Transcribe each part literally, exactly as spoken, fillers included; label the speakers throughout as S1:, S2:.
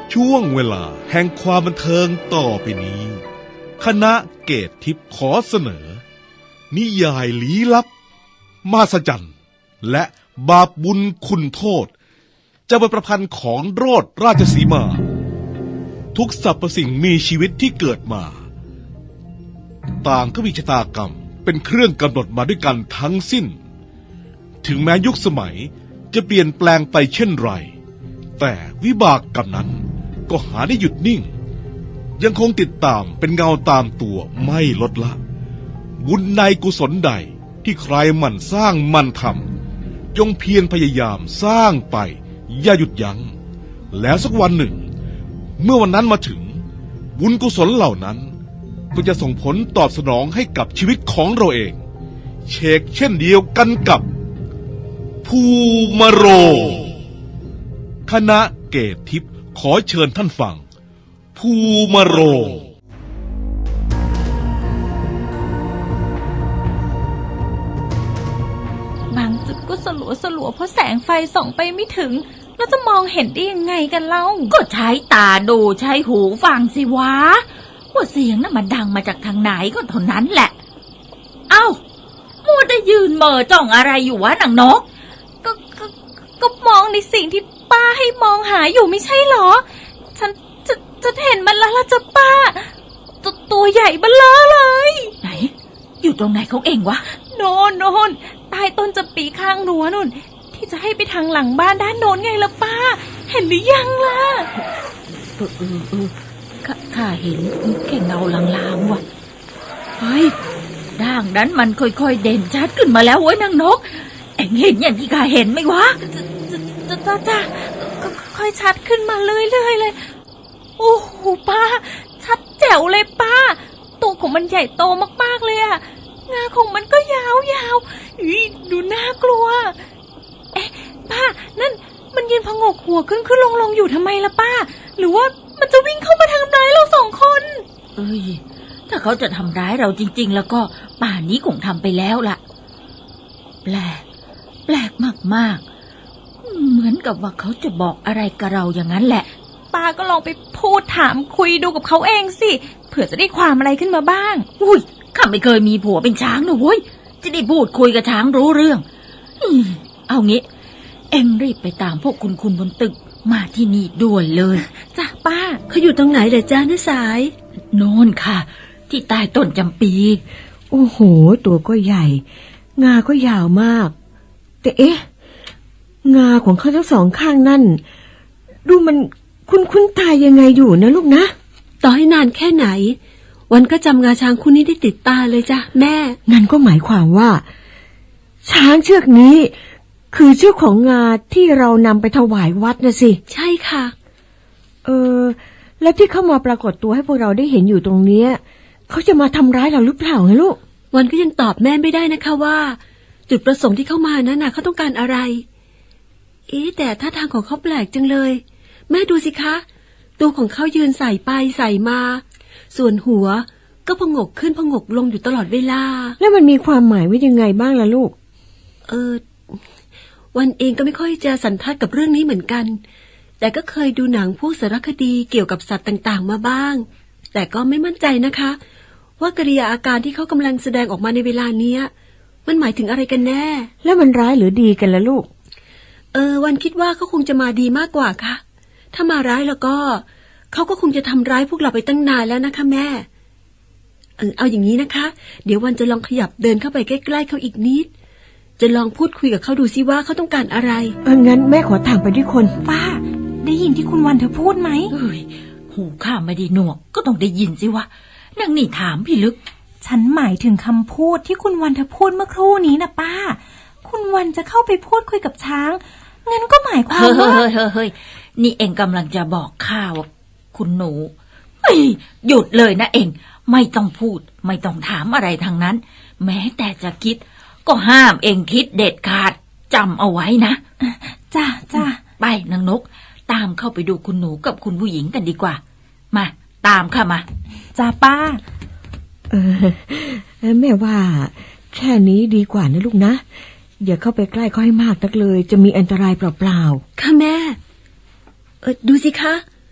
S1: ช่วงเวลาแห่งความบันเทิงต่อไปนี้คณะเกตทิพย์ขอเสนอนิยายลี้ลับมหัศจรรย์และบาปบุญคุณโทษจะเป็นประพันธ์ของโรดราชสีมาทุกสรรพสิ่งมีชีวิตที่เกิดมาต่างก็มีชะตากรรมเป็นเครื่องกำหนดมาด้วยกันทั้งสิ้นถึงแม้ยุคสมัยจะเปลี่ยนแปลงไปเช่นไรแต่วิบากกรรมนั้นก็หาได้หยุดนิ่งยังคงติดตามเป็นเงาตามตัวไม่ลดละบุญในกุศลใดที่ใครหมั่นสร้างหมั่นทำจงเพียรพยายามสร้างไปอย่าหยุดยัง้งแล้วสักวันหนึ่งเมื่อวันนั้นมาถึงบุญกุศลเหล่านั้นก็จะส่งผลตอบสนองให้กับชีวิตของเราเองเชกเช่นเดียวกันกับภูมาโรงคณะเกตทิพย์ขอเชิญท่านฟังภูมาโรง
S2: บางจุดก็สลัวสลัวเพราะแสงไฟส่องไปไม่ถึงแล้วจะมองเห็นได้ยังไงกันเล่า
S3: ก็ใช้ตาดูใช้หูฟังสิวะว่าเสียงน่ะมันดังมาจากทางไหนก็เท่านั้นแหละเอ้ามัวแต่ยืนเม่อจ้องอะไรอยู่วะนางนก
S2: ก็ก็ก็มองในสิ่งที่ป้าให้มองหาอยู่ไม่ใช่หรอฉันจะจะเห็นมันแล้วล่ะจ้ะป้าตัวตัวใหญ่เบ้อเลย
S3: ไหนอยู่ตรงไหนของเองวะ
S2: โน่นโน่นใต้ต้นจำปีข้างรั้วนู่นที่จะให้ไปทางหลังบ้านด้านโน้นไงล่ะป้าเห็นหรือยังล่ะ
S3: เออเออเออข้าข้าเห็นแค่เงาลางๆว่ะเฮ้ยด่างนั้นมันค่อยๆเด่นชัดขึ้นมาแล้วเว้ยนางนกเอ็งเห็นอย่างที่ข้าเห็นไหมวะ
S2: จ้าจ้าจ้าค่อยชัดขึ้นมาเรื่อยๆเลยโอ้โหป้าชัดแจ๋วเลยป้าตัวของมันใหญ่โตมากๆเลยอะงาของมันก็ยาวๆอุ๊ยดูน่ากลัวเอ๊ะป้านั่นมันยืนพงกหัวขึ้นขึ้นลงลงอยู่ทำไมล่ะป้าหรือว่ามันจะวิ่งเข้ามาทำร้ายเราสองคน
S3: เอ้ยถ้าเขาจะทำร้ายเราจริงๆแล้วก็ป่านนี้คงทำไปแล้วล่ะแปลกแปลกมากๆเหมือนกับว่าเขาจะบอกอะไรกับเราอย่างนั้นแหละ
S2: ป้าก็ลองไปพูดถามคุยดูกับเขาเองสิเผื่อจะได้ความอะไรขึ้นมาบ้าง
S3: อุ้ยข้าไม่เคยมีผัวเป็นช้างนะเว้ยจะได้พูดคุยกับช้างรู้เรื่องเอางี้เอ็งรีบไปตามพวกคุณคุณบนตึกมาที่นี่ด่วนเลย
S2: จ้ะป้า
S4: เขาอยู่ตรงไหนเหรอจ้าน้าสาย
S3: โน่นค่ะที่ใต้ต้นจำปี
S4: โอ้โหตัวก็ใหญ่งาก็ยาวมากแต่เอ๊ะงาของเขาทั้งสองข้างนั่นดูมันคุ้นๆตายยังไงอยู่นะลูกนะ
S5: ต่อให้นานแค่ไหนวันก็จำงาช้างคู่นี้ได้ติดตาเลยจ้ะแม่
S4: งั้นก็หมายความว่าช้างเชือกนี้คือเชือกของงาที่เรานำไปถวายวัดนะสิ
S5: ใช่ค่ะ
S4: เออแล้วที่เข้ามาปรากฏตัวให้พวกเราได้เห็นอยู่ตรงเนี้ยเขาจะมาทำร้ายเราหรือเปล่าไงลูก
S5: วันก็ยังตอบแม่ไม่ได้นะคะว่าจุดประสงค์ที่เข้ามานั้นน่ะเขาต้องการอะไรเอ๊ะแต่ท่าทางของเขาแปลกจังเลยแม่ดูสิคะตัวของเขายืนใส่ไปใส่มาส่วนหัวก็พงกขึ้นพงกลงอยู่ตลอดเวลา
S4: แล้วมันมีความหมายว่ายังไงบ้างล่ะลูก
S5: เออวันเองก็ไม่ค่อยจะสันทัดกับเรื่องนี้เหมือนกันแต่ก็เคยดูหนังพวกสารคดีเกี่ยวกับสัตว์ต่างๆมาบ้างแต่ก็ไม่มั่นใจนะคะว่ากริยาอาการที่เขากำลังแสดงออกมาในเวลาเนี้ยมันหมายถึงอะไรกันแน่
S4: แล้วมันร้ายหรือดีกันล่ะลูก
S5: เออวันคิดว่าเขาคงจะมาดีมากกว่าค่ะถ้ามาร้ายแล้วก็เขาก็คงจะทำร้ายพวกเราไปตั้งนานแล้วนะคะแม่เออเอาอย่างนี้นะคะเดี๋ยววันจะลองขยับเดินเข้าไปใกล้ๆเขาอีกนิดจะลองพูดคุยกับเขาดูซิว่าเขาต้องการอะไร
S4: เอองั้นแม่ขอถามไปด้วยคน
S2: ป้าได้ยินที่คุณวันเธอพูดไหม
S3: เอ้ยหูข้าไม่ได้หนวกก็ต้องได้ยินสิวะนั่งนี่ถามพี่ลึก
S2: ฉันหมายถึงคำพูดที่คุณวันเธอพูดเมื่อครู่นี้นะป้าคุณวันจะเข้าไปพูดคุยกับช้างงั้นก็หมายความว่า
S3: เฮ้ยเฮ้ยเฮ้ยนี่เองกำลังจะบอกข้าว่าคุณหนูเฮ้ยหยุดเลยนะเองไม่ต้องพูดไม่ต้องถามอะไรทางนั้นแม้แต่จะคิดก็ห้ามเองคิดเด็ดขาดจำเอาไว้นะ
S2: จ้าจ้า
S3: ไปนางนกตามเข้าไปดูคุณหนูกับคุณผู้หญิงกันดีกว่ามาตามข้ามา
S2: จ้าป้า
S4: เออแม่ว่าแค่นี้ดีกว่านะลูกนะอย่าเข้าไปใกล้เขาให้มากนักเลยจะมีอันตรายเปล่า
S5: ๆค่ะแม่เออดูสิคะ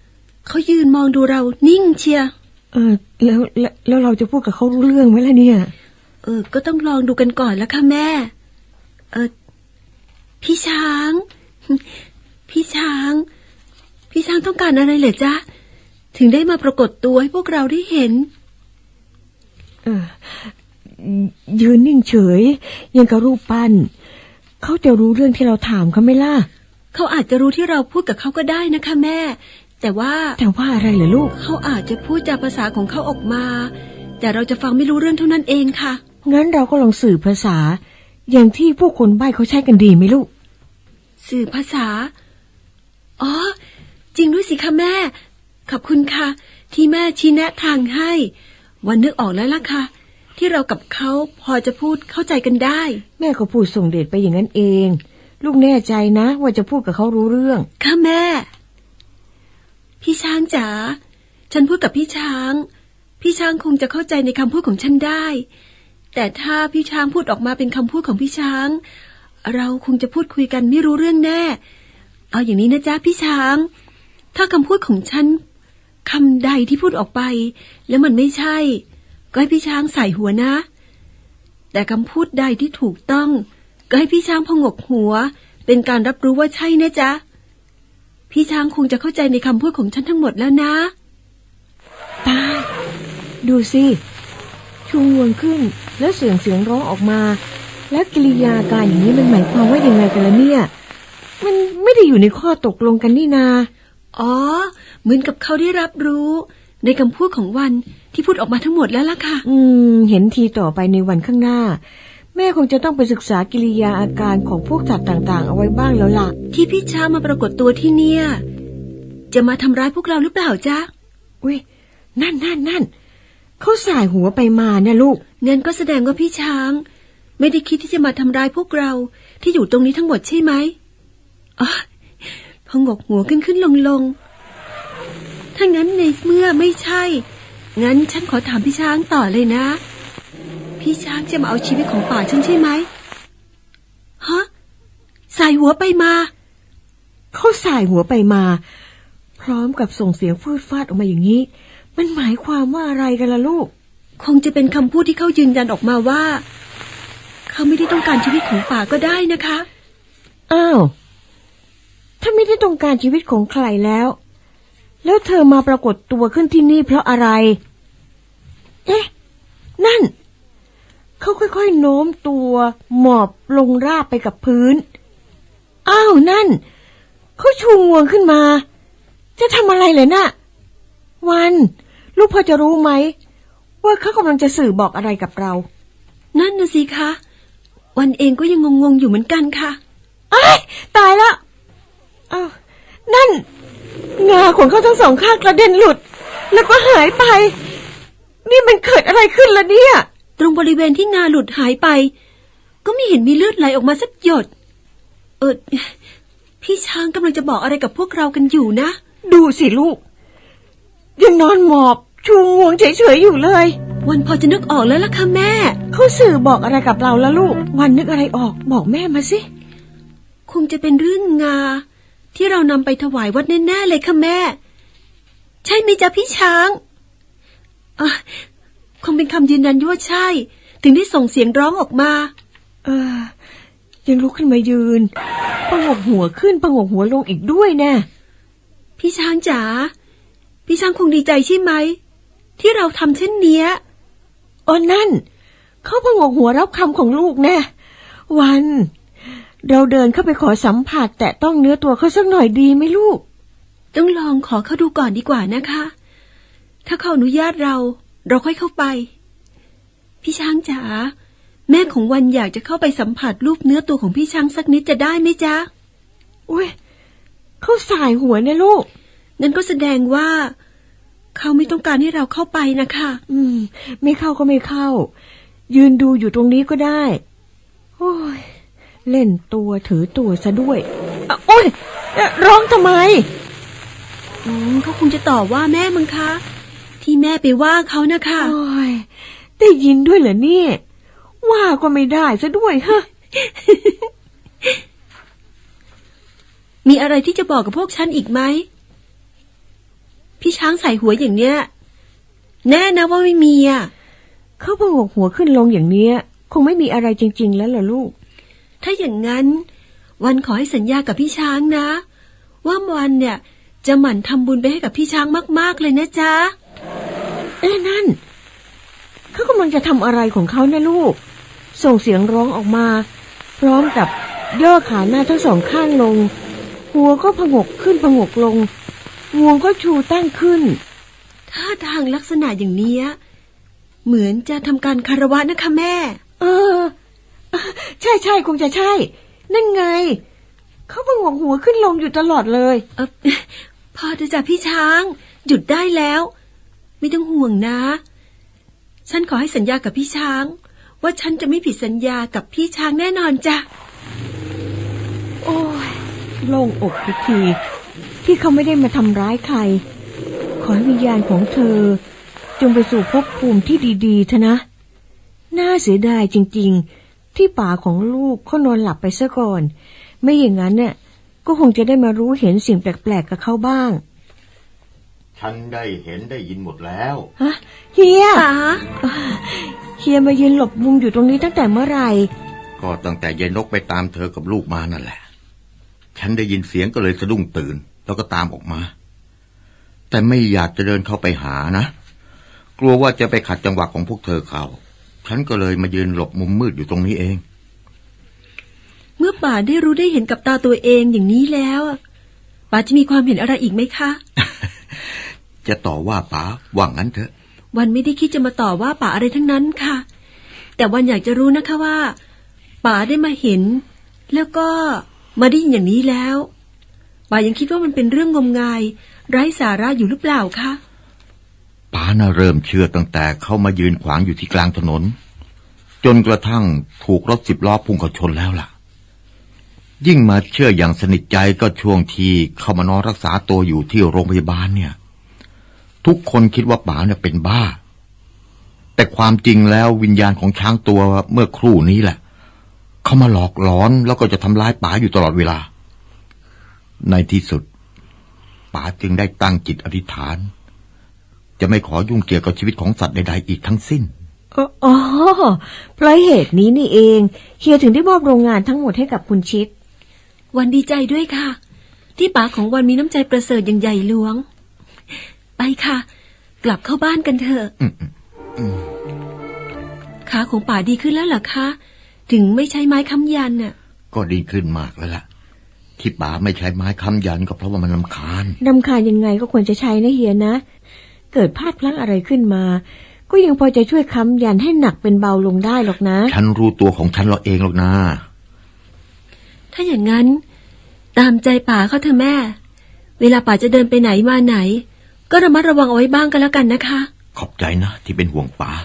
S5: เขายืนมองดูเรานิ่งเชียร์
S4: เออแล้วแล้วแล้วเราจะพูดกับเขารู้เรื่องไหมล่ะเนี่ย
S5: เออ ก็ต้องลองดูกันก่อนแล้วค่ะแม่ เออพี่ช้าง พี่ช้าง พี่ช้างต้องการอะไรเหรอจ๊ะถึงได้มาปรากฏตัวให้พวกเราได้เห็น
S4: เออยืนนิ่งเฉยยังกับรูปปั้นเขาจะรู้เรื่องที่เราถามเขาไหมล่ะ
S5: เขาอาจจะรู้ที่เราพูดกับเขาก็ได้นะคะแม่ แต่ว่า
S4: แต่ว่าอะไรเหรอลูก
S5: เขาอาจจะพูดจากภาษาของเขาออกมา แต่เราจะฟังไม่รู้เรื่องเท่านั้นเองค่ะ
S4: งั้นเราก็ลองสื่อภาษา อย่างที่พวกคนใบ้เขาใช้กันดีไหมลูก
S5: สื่อภาษา อ๋อ จริงด้วยสิคะแม่ ขอบคุณค่ะ ที่แม่ชี้แนะทางให้ วันนึกออกแล้วล่ะค่ะ ที่เรากับเขาพอจะพูดเข้าใจกันได้
S4: แม่ก็พูดส่งเดชไปอย่างนั้นเอง ลูกแน่ใจนะว่าจะพูดกับเขารู้เรื่อง
S5: ค่ะแม่ พี่ช้างจ๋า ฉันพูดกับพี่ช้าง พี่ช้างคงจะเข้าใจในคำพูดของฉันได้ แต่ถ้าพี่ช้างพูดออกมาเป็นคำพูดของพี่ช้าง เราคงจะพูดคุยกันไม่รู้เรื่องแน่ เอาอย่างนี้นะจ๊ะพี่ช้าง ถ้าคำพูดของฉันคำใดที่พูดออกไป แล้วมันไม่ใช่ก็ให้พี่ช้างใส่หัวนะ แต่คำพูดใดที่ถูกต้องก็ให้พี่ช้างพงกหัว เป็นการรับรู้ว่าใช่นะจ๊ะพี่ช้างคงจะเข้าใจในคำพูดของฉันทั้งหมดแล้วนะ
S4: ตายดูสิชูงวงขึ้นแล้วเสียงเสียงร้องออกมา แล้วกิริยาการอย่างนี้มันหมายความว่ายังไงกันล่ะเนี่ยมันไม่ได้อยู่ในข้อตกลงกันนี่นา
S5: อ๋อเหมือนกับเขาได้รับรู้ในคำพูดของวันที่พูดออกมาทั้งหมดแล้วล่ะค่ะ
S4: อืมเห็นทีต่อไปในวันข้างหน้าแม่คงจะต้องไปศึกษากิริยาอาการของพวกสัตว์ต่างๆเอาไว้บ้างแล้วล่ะ
S5: ที่พี่ช้างมาปรากฏตัวที่เนี่ยจะมาทำร้ายพวกเราหรือเปล่าจ๊ะ
S4: อุ้ยนั่นนั่นนั่นเขาสายหัวไปมาเนี่ยลูก
S5: งั้นก็แสดงว่าพี่ช้างไม่ได้คิดที่จะมาทำร้ายพวกเราที่อยู่ตรงนี้ทั้งหมดใช่ไหมอ๋อพองกหัวขึ้นขึ้นลงลงถ้างั้นในเมื่อไม่ใช่งั้นฉันขอถามพี่ช้างต่อเลยนะพี่ช้างจะมาเอาชีวิตของป่าฉันใช่ไหมฮะสายหัวไปมา
S4: เขาสายหัวไปมาพร้อมกับส่งเสียงฟืดฟาดออกมาอย่างนี้มันหมายความว่าอะไรกันล่ะลูก
S5: คงจะเป็นคำพูดที่เขายืนยันออกมาว่าเขาไม่ได้ต้องการชีวิตของป่าก็ได้นะคะ
S4: อ้าวถ้าไม่ได้ต้องการชีวิตของใครแล้วแล้วเธอมาปรากฏตัวขึ้นที่นี่เพราะอะไรเอ๊ะนั่นเขาค่อยๆโน้มตัวหมอบลงราบไปกับพื้นอ้าวนั่นเขาชูงวงขึ้นมาจะทำอะไรเลยน่ะวันลูกพอจะรู้ไหมว่าเขากำลังจะสื่อบอกอะไรกับเรา
S5: นั่นน่ะสิคะวันเองก็ยังงงๆอยู่เหมือนกันค่ะ
S4: อ้ายตายละอ้าวนั่นงาของเขาทั้งสองข้างกระเด็นหลุดแล้วก็หายไปนี่มันเกิดอะไรขึ้นล่ะเนี่ย
S5: ตรงบริเวณที่งาหลุดหายไปก็ไม่เห็นมีเลือดไหลออกมาสักหยดเออพี่ช้างกำลังจะบอกอะไรกับพวกเรากันอยู่นะ
S4: ดูสิลูกยังนอนหมอบชูงวงเฉยๆอยู่เลย
S5: วันพอจะนึกออกแล้วล่ะค่ะแม่
S4: เขาสื่อบอกอะไรกับเราแล้วลูกวันนึกอะไรออกบอกแม่มาสิ
S5: คงจะเป็นเรื่องงาที่เรานำไปถวายวัดแน่ๆเลยค่ะแม่ใช่ไหมจ๊ะพี่ช้างอ่ะคงเป็นคำยืนยันว่าใช่ถึงได้ส่งเสียงร้องออกมา
S4: เออยังลุกขึ้นมายืนปะงกหัวขึ้นปะงกหัวลงอีกด้วยแน่
S5: พี่ช้างจ๋าพี่ช้างคงดีใจใช่ไหมที่เราทำเช่นเนี้ย
S4: อ๋อนั่นเขาปะงกหัวรับคำของลูกแน่วันเราเดินเข้าไปขอสัมผัสแต่ต้องเนื้อตัวเขาสักหน่อยดีไหมลูก
S5: ต้องลองขอเขาดูก่อนดีกว่านะคะถ้าเขาอนุญาตเราเราค่อยเข้าไปพี่ช้างจ๋าแม่ของวันอยากจะเข้าไปสัมผัสรูปเนื้อตัวของพี่ช้างสักนิดจะได้ไหมจ๊ะ
S4: อุ้ยเขาสายหัวเนี่ยลูก
S5: งั้นก็แสดงว่าเขาไม่ต้องการให้เราเข้าไปนะคะ
S4: อืมไม่เข้าก็ไม่เข้ายืนดูอยู่ตรงนี้ก็ได้โอ้ยเล่นตัวถือตัวซะด้วยโอ้ยร้องทำไม
S5: อืมเขาคงจะต่อว่าแม่มั้งคะที่แม่ไปว่าเขานะคะ
S4: โอ้ยได้ยินด้วยเหรอเนี่ยว่าก็ไม่ได้ซะด้วยฮะ
S5: มีอะไรที่จะบอกกับพวกฉันอีกไหมพพี่ช้างใส่หัวอย่างเนี้ยแน่นะว่าไม่มีอ่ะ
S4: เขาพงกหัวขึ้นลงอย่างเนี้ยคงไม่มีอะไรจริงๆแล้วล่ะลูก
S5: ถ้าอย่างนั้นวันขอให้สัญญากับพี่ช้างนะว่าวันเนี่ยจะหมั่นทำบุญไปให้กับพี่ช้างมากๆเลยนะจ๊ะ
S4: เอ๊ะนั่นเขากำลังจะทำอะไรของเขานะลูกส่งเสียงร้องออกมาพร้อมกับย่อขาหน้าทั้งสองข้างลงหัวก็ผงกขึ้นผงกลงงวงก็ชูตั้งขึ้น
S5: ท่าทางลักษณะอย่างนี้เหมือนจะทำการคารวะนะคะแม่
S4: เออใช่ใช่คงจะใช่นั่นไงเขาผงกหัวขึ้นลงอยู่ตลอดเลย
S5: เออพอจะจับพี่ช้างหยุดได้แล้วไม่ต้องห่วงนะฉันขอให้สัญญากับพี่ช้างว่าฉันจะไม่ผิดสัญญากับพี่ช้างแน่นอนจ้ะ
S4: โอ้ยโล่งอกทุกทีที่เขาไม่ได้มาทำร้ายใครขอให้วิญญาณของเธอจงไปสู่ภพภูมิที่ดีๆเถอะนะน่าเสียดายจริงๆที่ป่าของลูกเขานอนหลับไปซะก่อนไม่อย่างนั้นเนี่ยก็คงจะได้มารู้เห็นสิ่งแปลกๆกับเขาบ้าง
S6: ฉันได้เห็นได้ยินหมดแล้ว
S4: ฮะเฮียเฮียมายืนหลบมุมอยู่ตรงนี้ตั้งแต่เมื่อไหร่
S6: ก็ตั้งแต่ยายนกไปตามเธอกับลูกมานั่นแหละฉันได้ยินเสียงก็เลยสะดุ้งตื่นแล้วก็ตามออกมาแต่ไม่อยากจะเดินเข้าไปหานะกลัวว่าจะไปขัดจังหวะของพวกเธอเขาฉันก็เลยมายืนหลบมุมมืดอยู่ตรงนี้เอง
S5: เมื่อป่าได้รู้ได้เห็นกับตาตัวเองอย่างนี้แล้วป่าจะมีความเห็นอะไรอีกไหมคะ
S6: จะต่อว่าป๋าว่างั้นเถอะ
S5: วันไม่ได้คิดจะมาต่อว่าป๋าอะไรทั้งนั้นค่ะแต่วันอยากจะรู้นะคะว่าป๋าได้มาเห็นแล้วก็มาได้ยินอย่างนี้แล้วป๋ายังคิดว่ามันเป็นเรื่องงมงายไร้สาระอยู่หรือเปล่าคะ
S6: ป๋าน่ะเริ่มเชื่อตั้งแต่เข้ามายืนขวางอยู่ที่กลางถนนจนกระทั่งถูกรถสิบล้อพุ่งเข้าชนแล้วล่ะยิ่งมาเชื่ออย่างสนิทใจก็ช่วงที่เข้ามานอนรักษาตัวอยู่ที่โรงพยาบาลเนี่ยทุกคนคิดว่าป๋าเนี่ยเป็นบ้าแต่ความจริงแล้ววิญญาณของช้างตัวเมื่อครู่นี้แหละเขามาหลอกหลอนแล้วก็จะทำร้ายป๋าอยู่ตลอดเวลาในที่สุดป๋าจึงได้ตั้งจิตอธิษฐานจะไม่ขอยุ่งเกี่ยวกับชีวิตของสัตว์ใดๆอีกทั้งสิ้น
S4: อ๋อเพราะเหตุนี้นี่เองเฮียถึงได้มอบโรงงานทั้งหมดให้กับคุณชิด
S5: วันดีใจด้วยค่ะที่ป๋าของวันมีน้ำใจประเสริฐอย่างใหญ่หลวงไปค่ะกลับเข้าบ้านกันเถอะขาของป๋าดีขึ้นแล้วเหรอคะถึงไม่ใช้ไม้ค้ำยันน่ะ
S6: ก็ดีขึ้นมากแล้วล่ะที่ป๋าไม่ใช้ไม้ค้ำยันก็เพราะว่ามันรำคาญ
S4: รำคาญยังไงก็ควรจะใช้นะเฮียนะเกิดพลาดพลั้งอะไรขึ้นมาก็ยังพอจะช่วยค้ำยันให้หนักเป็นเบาลงได้หรอกนะ
S6: ฉันรู้ตัวของฉันเราเองหรอกนะ
S5: ถ้าอย่างนั้นตามใจป๋าเขาเถอะแม่เวลาป๋าจะเดินไปไหนมาไหนก็ระมัดระวังเอาไว้บ้างก็แล้วกันนะคะ
S6: ขอบใจนะที่เป็นห่วงป๋า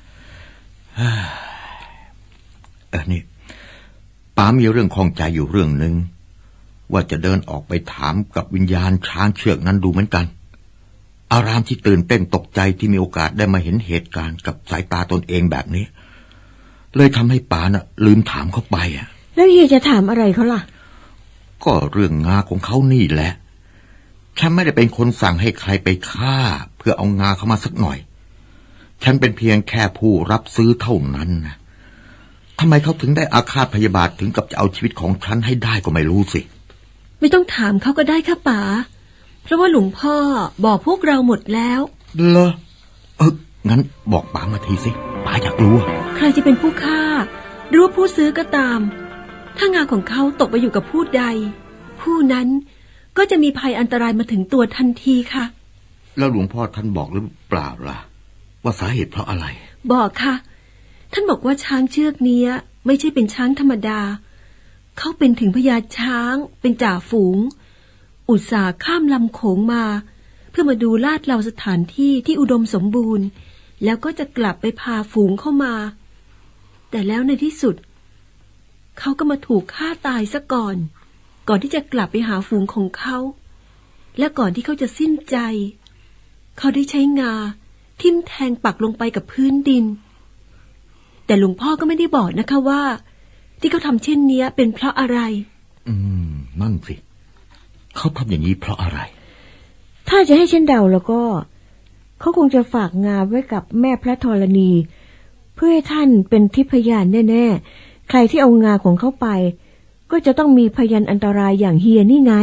S6: เออนี่ป๋ามีเรื่องข้องใจอยู่เรื่องนึงว่าจะเดินออกไปถามกับวิญญาณช้างเชือกนั้นดูเหมือนกันอารามที่ตื่นเต้นตกใจที่มีโอกาสได้มาเห็นเหตุการณ์กับสายตาตนเองแบบนี้เลยทำให้ป๋าน่ะลืมถามเขาไปอ่ะ
S4: แล้วเฮียจะถามอะไรเขาล่ะ
S6: ก็เรื่องงาของเขานี่แหละฉันไม่ได้เป็นคนสั่งให้ใครไปฆ่าเพื่อเอางาเข้ามาสักหน่อยฉันเป็นเพียงแค่ผู้รับซื้อเท่านั้นนะทำไมเขาถึงได้อาฆาตพยาบาทถึงกับจะเอาชีวิตของฉันให้ได้ก็ไม่รู้สิ
S5: ไม่ต้องถามเขาก็ได้ค่ะป๋าเพราะว่าหลวงพ่อบอกพวกเราหมดแล้ว
S6: เหรอเอองั้นบอกป๋ามาทีสิป๋าอยากรู้
S5: ใครจะเป็นผู้ฆ่าหรือว่าผู้ซื้อก็ตามถ้างาของเขาตกไปอยู่กับผู้ใดผู้นั้นก็จะมีภัยอันตรายมาถึงตัวทันทีค่ะ
S6: แล้วหลวงพ่อท่านบอกหรือเปล่าล่ะว่าสาเหตุเพราะอะไร
S5: บอกค่ะท่านบอกว่าช้างเชือกนี้ไม่ใช่เป็นช้างธรรมดาเขาเป็นถึงพญาช้างเป็นจ่าฝูงอุตส่าห์ข้ามลำโขงมาเพื่อมาดูลาดเราสถานที่ที่อุดมสมบูรณ์แล้วก็จะกลับไปพาฝูงเข้ามาแต่แล้วในที่สุดเขาก็มาถูกฆ่าตายซะก่อนก่อนที่จะกลับไปหาฝูงของเขาและก่อนที่เขาจะสิ้นใจเขาได้ใช้งาทิ่มแทงปักลงไปกับพื้นดินแต่หลวงพ่อก็ไม่ได้บอกนะคะว่าที่เขาทำเช่นนี้เป็นเพราะอะไร
S6: อืมนั่นสิเขาทำอย่างนี้เพราะอะไร
S4: ถ้าจะให้ฉันเดาแล้วก็เขาคงจะฝากงานไว้กับแม่พระธรณีเพื่อให้ท่านเป็นทิพยานแน่ๆใครที่เอางาของเขาไปก็จะต้องมีพยานอันตรายอย่างเฮียนี่ไง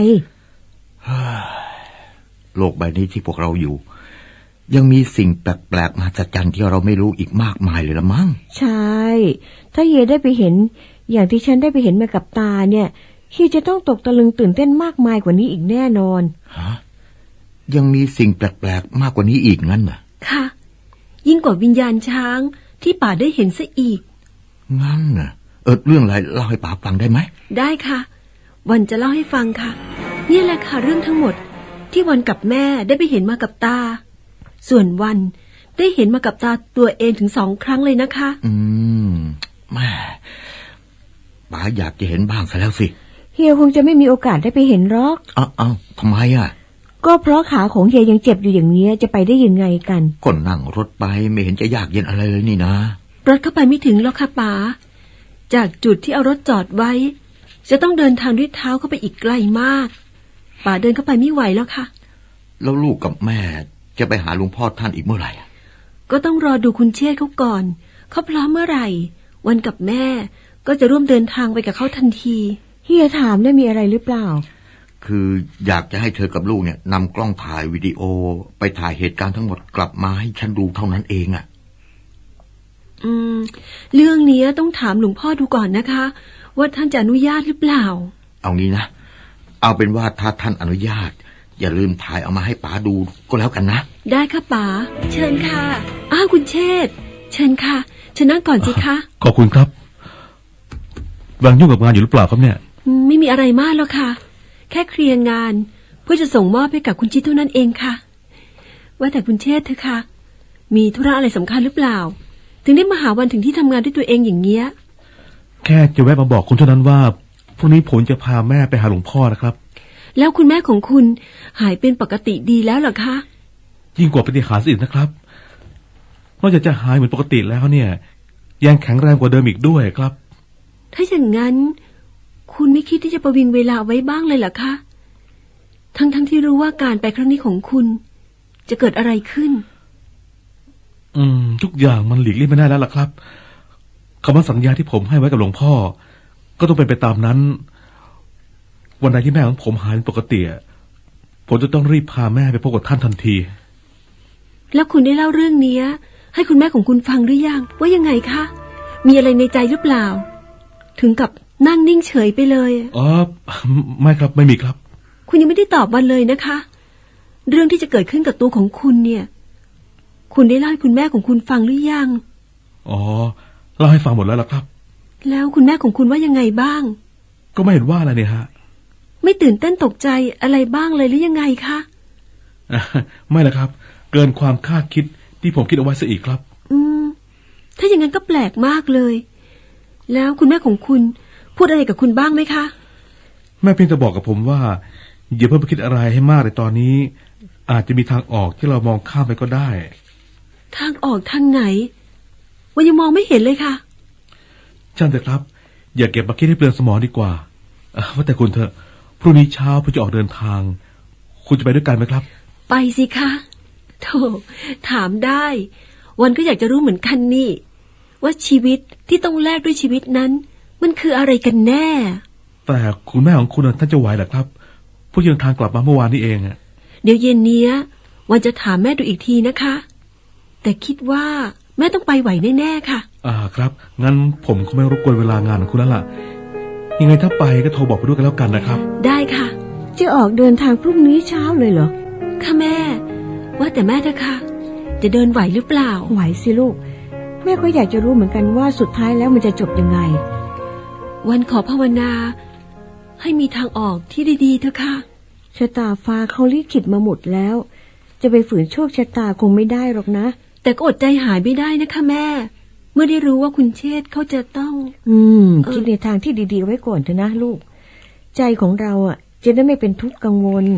S6: โลกใบนี้ที่พวกเราอยู่ยังมีสิ่งแปลกๆมหัศจรรย์ที่เราไม่รู้อีกมากมายเลยละมั้ง
S4: ใช่ถ้าเฮียได้ไปเห็นอย่างที่ฉันได้ไปเห็นมากับตาเนี่ยเฮียจะต้องตกตะลึงตื่นเต้นมากมายกว่านี้อีกแน่นอน
S6: ฮะยังมีสิ่งแปลกๆมากกว่านี้อีกงั้นเหรอ
S5: ค่ะยิ่งกว่าวิญญาณช้างที่ป่าได้เห็นซะอีก
S6: งั้นน่ะเออเรื่องอะไรเล่าให้ป๋าฟังได้ไหม
S5: ได้ค่ะวันจะเล่าให้ฟังค่ะนี่แหละค่ะเรื่องทั้งหมดที่วันกับแม่ได้ไปเห็นมากับตาส่วนวันได้เห็นมากับตาตัวเองถึงสองครั้งเลยนะคะ
S6: อืมแม่ป๋าอยากจะเห็นบ้างซะแล้วสิ
S4: เฮียคงจะไม่มีโอกาสได้ไปเห็นหรอก
S6: อ้าวอ้าวทำไมอ่ะ
S4: ก็เพราะขาของเฮียยังเจ็บอยู่อย่างนี้จะไปได้ยังไงกัน
S6: ก็นั่งรถไปไม่เห็นจะยากเย็นอะไรเลยนี่นะ
S5: รถเข้าไปไม่ถึงหรอกค่ะป๋าจากจุดที่เอารถจอดไว้จะต้องเดินทางด้วยเท้าเข้าไปอีกไกลมากป๋าเดินเข้าไปไม่ไหวแล้วค่ะ
S6: แล้วลูกกับแม่จะไปหาหลวงพ่อท่านอีกเมื่อไหร่
S5: ก็ต้องรอดูคุณเชษฐ์เขาก่อนเขาพร้อมเมื่อไหร่วันกับแม่ก็จะร่วมเดินทางไปกับเขาทันที
S4: เฮียถามได้มีอะไรหรือเปล่า
S6: คืออยากจะให้เธอกับลูกเนี่ยนำกล้องถ่ายวิดีโอไปถ่ายเหตุการณ์ทั้งหมดกลับมาให้ฉันดูเท่านั้นเองอ่ะ
S5: อืมเรื่องนี้ต้องถามหลวงพ่อดูก่อนนะคะว่าท่านจะอนุญาตหรือเปล่า
S6: เอางี้นะเอาเป็นว่าถ้าท่านอนุญาตอย่าลืมถ่ายเอามาให้ป๋าดูก็แล้วกันนะ
S5: ได้ค่ะป๋าเชิญค่ะอ้าวคุณเชษฐ์เชิญค่ะเชิญนั่งก่อนสิคะ
S1: ขอบคุณครับบางยุ่งกับงานอยู่หรือเปล่าครับเนี่ย
S5: ไม่มีอะไรมากแล้วค่ะแค่เคลียร์งานเพื่อจะส่งมอบให้กับคุณชิดเท่านั้นเองค่ะว่าแต่คุณเชษฐ์เถอะค่ะมีธุระอะไรสำคัญหรือเปล่าถึงได้มาหาวันถึงที่ทำงานด้วยตัวเองอย่างเงี้ย
S1: แค่จะแวะมาบอกคุณเท่านั้นว่าพรุ่งนี้ผมจะพาแม่ไปหาหลวงพ่อนะครับ
S5: แล้วคุณแม่ของคุณหายเป็นปกติดีแล้วเหรอคะ
S1: ยิ่งกว่าปฏิหาริย์อีกนะครับนอกจากจะหายเหมือนปกติแล้วเนี่ยยังแข็งแรงกว่าเดิมอีกด้วยครับ
S5: ถ้าอย่างนั้นคุณไม่คิดที่จะประวิงเวลาไว้บ้างเลยเหรอคะทั้งๆ ท, ที่รู้ว่าการไปครั้งนี้ของคุณจะเกิดอะไรขึ้น
S1: อืมทุกอย่างมันหลีกเลี่ยงไม่ได้แล้วล่ะครับคำว่าสัญญาที่ผมให้ไว้กับหลวงพ่อก็ต้องเป็นไปตามนั้นวันใดที่แม่ของผมหายเป็นปกติผมจะต้องรีบพาแม่ไปพบกับท่านทันที
S5: แล้วคุณได้เล่าเรื่องนี้ให้คุณแม่ของคุณฟังหรือยังว่ายังไงคะมีอะไรในใจหรือเปล่าถึงกับนั่งนิ่งเฉยไปเลย
S1: อ๋อไม่ครับไม่มีครับ
S5: คุณยังไม่ได้ตอบวันเลยนะคะเรื่องที่จะเกิดขึ้นกับตัวของคุณเนี่ยคุณได้เล่าให้คุณแม่ของคุณฟังหรือยัง
S1: อ๋อเล่าให้ฟังหมดแล้วล่ะครับ
S5: แล้วคุณแม่ของคุณว่ายังไงบ้าง
S1: ก็ไม่เห็นว่าอะไรเนี่ยฮะ
S5: ไม่ตื่นเต้นตกใจอะไรบ้างเลยหรือยังไงคะ
S1: ไม่ละครับเกินความคาดคิดที่ผมคิดเอาไว้ซะอีกครับ
S5: อืมถ้าอย่างนั้นก็แปลกมากเลยแล้วคุณแม่ของคุณพูดอะไรกับคุณบ้างไหมคะ
S1: แม่เพียงแต่บอกกับผมว่าอย่าเพิ่งไปคิดอะไรให้มากในตอนนี้อาจจะมีทางออกที่เรามองข้ามไปก็ได้
S5: ทางออกทางไหนวันยังมองไม่เห็นเลยค่ะ
S1: ช่างเถอะครับอย่าเก็บมาคิดให้เปลืองสมองดีกว่าว่าแต่คุณเถอะพรุ่งนี้เช้าผมจะออกเดินทางคุณจะไปด้วยกันไหมครับ
S5: ไปสิคะโธ่ถามได้วันก็อยากจะรู้เหมือนกันนี่ว่าชีวิตที่ต้องแลกด้วยชีวิตนั้นมันคืออะไรกันแน่
S1: แต่คุณแม่ของคุณท่านจะไหวเหรอครับผู้เดินทางกลับมาเมื่อวานนี้เองอะ
S5: เดี๋ยวเย็นนี้วันจะถามแม่ดูอีกทีนะคะแต่คิดว่าแม่ต้องไปไหวแน่ๆค่ะ
S1: อ่าครับงั้นผมคงไม่รบกวนเวลางานของคุณแล้วล่ะยังไงถ้าไปก็โทรบอกไปด้วยกันแล้วกันนะครับ
S5: ได้ค่ะ
S4: จะออกเดินทางพรุ่งนี้เช้าเลยเหรอ
S5: ค่ะแม่ว่าแต่แม่เถอะค่ะจะเดินไหวหรือเปล่า
S4: ไหวสิลูกแม่ก็อยากจะรู้เหมือนกันว่าสุดท้ายแล้วมันจะจบยังไง
S5: วันขอภาวนาให้มีทางออกที่ดีๆเถอะค่ะ
S4: ชะตาฟ้าเขาลิขิตมาหมดแล้วจะไปฝืนโชคชะตาคงไม่ได้หรอกนะ
S5: แต่ก็อดใจหายไม่ได้นะคะแม่เมื่อได้รู้ว่าคุณเชษฐ์เขาจะต้อง
S4: อืมคิดในทางที่ดีๆไว้ก่อนเถอะนะลูกใจของเราอ่ะจะได้ไม่เป็นทุกข์กังวล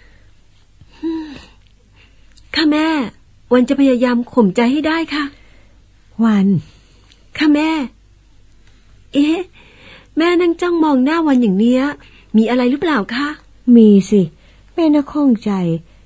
S5: ค่ะแม่วันจะพยายามข่มใจให้ได้ค่ะ
S4: วัน
S5: ค่ะแม่เอ๊ะแม่นั่งจ้องมองหน้าวันอย่างเนี้ยมีอะไรหรือเปล่าคะ
S4: มีสิแม่น่าข้องใจ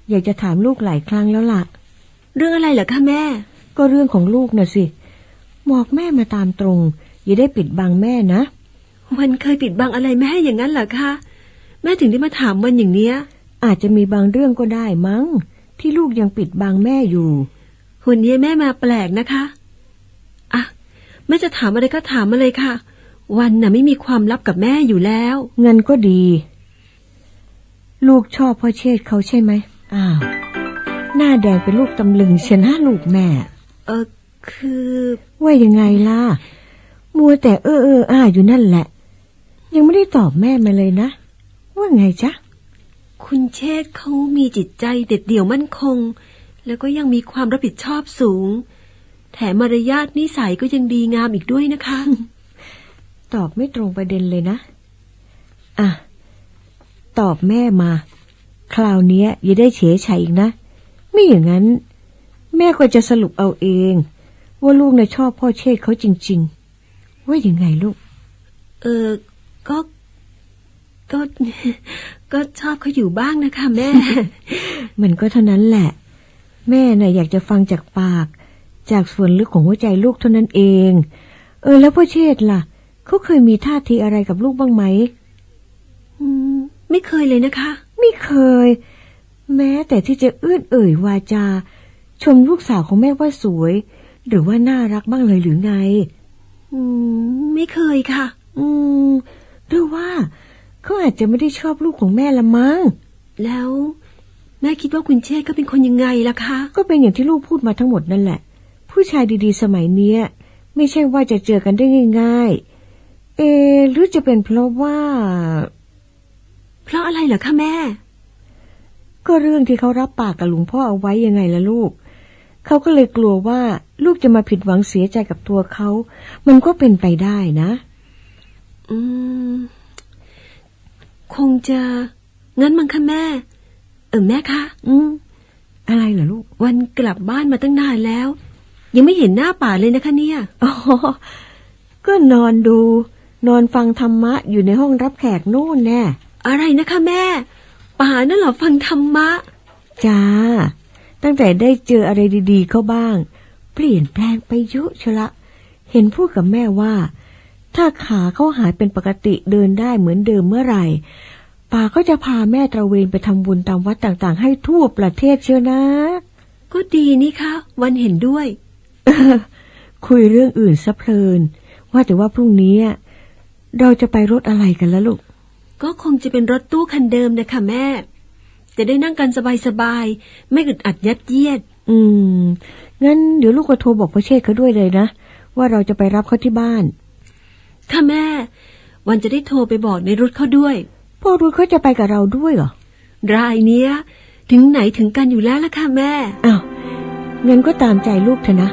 S4: อยากจะถามลูกหลายครั้งแล้วล่ะ
S5: เรื่องอะไรเหรอคะแม่
S4: ก็เรื่องของลูกน่ะสิบอกแม่มาตามตรงอย่าได้ปิดบังแม่นะ
S5: วันเคยปิดบังอะไรแม่ให้อย่างนั้นเหรอคะแม่ถึงได้มาถามวันอย่างเนี้ย
S4: อาจจะมีบางเรื่องก็ได้มั้งที่ลูกยังปิดบังแม่อยู่
S5: วันนี้แม่มาแปลกนะคะอ่ะแม่จะถามอะไรก็ถามมาเลยค่ะวันน่ะไม่มีความลับกับแม่อยู่แล้ว
S4: เงินก็ดี ลูกชอบพ่อเชษฐ์เขาใช่ไหมอ้าวหน้าแดงเป็นลูกตำลึงเชียนะลูกแม่
S5: เออคือ
S4: ว่ายังไงล่ะมัวแต่เออเอออ้าอยู่นั่นแหละยังไม่ได้ตอบแม่มาเลยนะว่าไงจ๊ะ
S5: คุณเชษฐ์เขามีจิตใจเด็ดเดี่ยวมั่นคงแล้วก็ยังมีความรับผิดชอบสูงแถมมารยาทนิสัยก็ยังดีงามอีกด้วยนะคะ
S4: ตอบไม่ตรงประเด็นเลยนะอ่ะตอบแม่มาคราวนี้อย่าได้เฉยชัยอีกนะไม่อย่างนั้นแม่ก็จะสรุปเอาเองว่าลูกน่ะชอบพ่อเชษฐ์เขาจริงๆว่ายังไงลูก
S5: เออก็ก็ ก็ชอบเขาอยู่บ้างนะคะแม่
S4: มันก็เท่านั้นแหละแม่น่ะอยากจะฟังจากปากจากส่วนลึกของหัวใจลูกเท่านั้นเองเออแล้วพ่อเชษฐ์ล่ะเขาเคยมีท่าทีอะไรกับลูกบ้างไหม
S5: อืมไม่เคยเลยนะคะ
S4: ไม่เคยแม้แต่ที่จะเอื้อนเอ่ยวาจาชมลูกสาวของแม่ว่าสวยหรือว่าน่ารักบ้างเลยหรือไง
S5: อืมไม่เคยค่ะ
S4: อืมหรือว่าเขาอาจจะไม่ได้ชอบลูกของแม่ละมั้ง
S5: แล้วแม่คิดว่าคุณเชษฐ์ก็เป็นคนยังไงล่ะคะ
S4: ก็เป็นอย่างที่ลูกพูดมาทั้งหมดนั่นแหละผู้ชายดีๆสมัยเนี้ยไม่ใช่ว่าจะเจอกันได้ง่ายๆเออหรือจะเป็นเพราะว่า
S5: เพราะอะไรเหรอคะแม่
S4: ก็เรื่องที่เขารับปากกับหลวงพ่อเอาไว้ยังไงล่ะลูกเขาก็เลยกลัวว่าลูกจะมาผิดหวังเสียใจกับตัวเขามันก็เป็นไปได้นะ
S5: อืมคงจะงั้นมั้งคะแม่ เออแม่คะ
S4: อืมอะไรเหรอลูก
S5: วันกลับบ้านมาตั้งนานแล้ว ยังไม่เห็นหน้าป่าเลยนะคะเนี่ย
S4: อ๋อก็นอนดู นอนฟังธรรมะอยู่ในห้องรับแขกโน่นแน่
S5: อะไรนะคะแม่ ป่านั่นเหรอฟังธรรมะ
S4: จ้าตั้งแต่ได้เจออะไรดีๆเข้าบ้างเปลี่ยนแปลงไปเยอะชะละเห็นพูดกับแม่ว่าถ้าขาเขาหายเป็นปกติเดินได้เหมือนเดิมเมื่อไหร่ป่าก็จะพาแม่ตระเวนไปทำบุญตามวัดต่างๆให้ทั่วประเทศเชียวนะ
S5: ก็ดีนี่คะวันเห็นด้วย
S4: คุยเรื่องอื่นซะเพลินว่าแต่ว่าพรุ่งนี้เราจะไปรถอะไรกันล่ะลูก
S5: ก็คงจะเป็นรถตู้คันเดิมนะคะแม่จะได้นั่งกันสบายๆไม่อึดอัดยัดเยียด
S4: อืมงั้นเดี๋ยวลูกก็โทรบอกพ่อเชษฐ์เขาด้วยเลยนะว่าเราจะไปรับเขาที่บ้าน
S5: ค่ะแม่วันจะได้โทรไปบอกในรุธเขาด้วย
S4: พ่อรุ่เขาจะไปกับเราด้วยเหรอ
S5: รายเนี้ยถึงไหนถึงกันอยู่แล้วล่ะค่ะแม่
S4: อ้าวงั้นก็ตามใจลูกเถอะนะ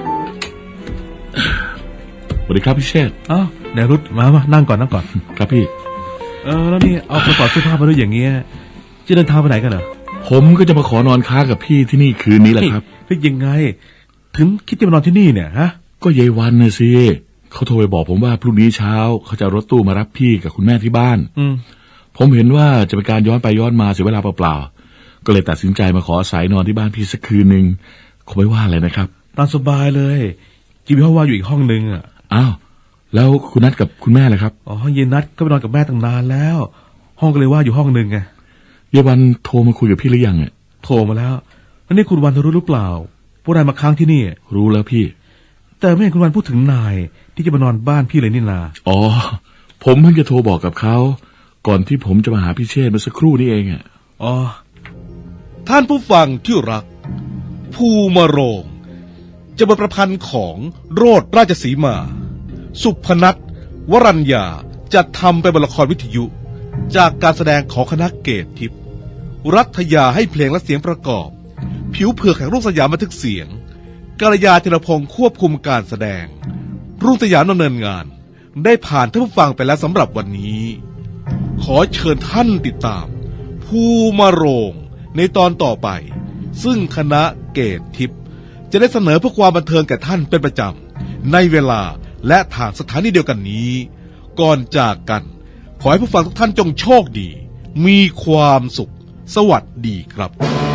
S7: สวัสดีครับพี่เชษฐ์
S1: อ้าวไหนรุดมามานั่งก่อนนั่งก่อน
S7: ครับพี่
S1: เออแล้วนี่เอากระเป๋าเสื้อผ้ามาด้วยอย่างเงี้ยจะเดินทางไปไหนกันเหรอ
S7: ผมก็จะมาขอนอนค้างกับพี่ที่นี่คืนนี้แหละครับ
S1: เฮ้ยยังไง ถึงคิดจะมานอนที่นี่เนี่ยฮะ
S7: ก็ยายวันน่ะสิเขาโทรไปบอกผมว่าพรุ่งนี้เช้าเขาจะเอารถตู้มารับพี่กับคุณแม่ที่บ้าน
S1: อืม
S7: ผมเห็นว่าจะเป็นการย้อนไปย้อนมาเสียเวลาเปล่าๆก็เลยตัดสินใจมาขออาศัยนอนที่บ้านพี่สักคืนหนึ่งคงไม่ว่าอะไรนะครับ
S1: ตามสบายเลยจีมีห้องว่างอยู่อีกห้องนึงอ่ะ
S7: อ้าวแล้วคุณนัดกับคุณแม่ล่ะครับ
S1: อ๋อเย็นนัดก็ไปนอนกับแม่ตั้งนานแล้ว ห้องก็เลยว่างอยู่ห้องนึงไง
S7: ยายวันโทรมาคุยกับพี่หรือยังอ่ะ
S1: โทรมาแล้วแล้วนี่คุณวันเธอรู้หรือเปล่าพวกนายมาค้างที่นี่
S7: รู้แล้วพี่
S1: แต่ไม่เห็นคุณวันพูดถึงนายที่จะมานอนบ้านพี่เลยนี่นา
S7: อ๋อผมเพิ่งจะโทรบอกกับเขาก่อนที่ผมจะมาหาพี่เชษฐ์เมื่อสักครู่นี้เองอ่ะ
S1: อ๋อท่านผู้ฟังที่รักภูมาโรงจะบทประพันธ์ของโรดราชสีมา สุพนัทวรัญญาจัดทำเป็นบทละครวิทยุจากการแสดงของคณะเกตทิพย์รัฐยาให้เพลงและเสียงประกอบผิวเผือกแห่งรุ่งสยามบันทึกเสียงกาลยาธีรพงศ์ควบคุมการแสดงรุ่งสยามดำเนินงานได้ผ่านท่านผู้ฟังไปแล้วสำหรับวันนี้ขอเชิญท่านติดตามภูมาโรงในตอนต่อไปซึ่งคณะเกตทิพย์จะได้เสนอเพื่อความบันเทิงแก่ท่านเป็นประจำในเวลาและทางสถานีเดียวกันนี้ก่อนจากกันขอให้ผู้ฟังทุกท่านจงโชคดีมีความสุขสวัสดีครับ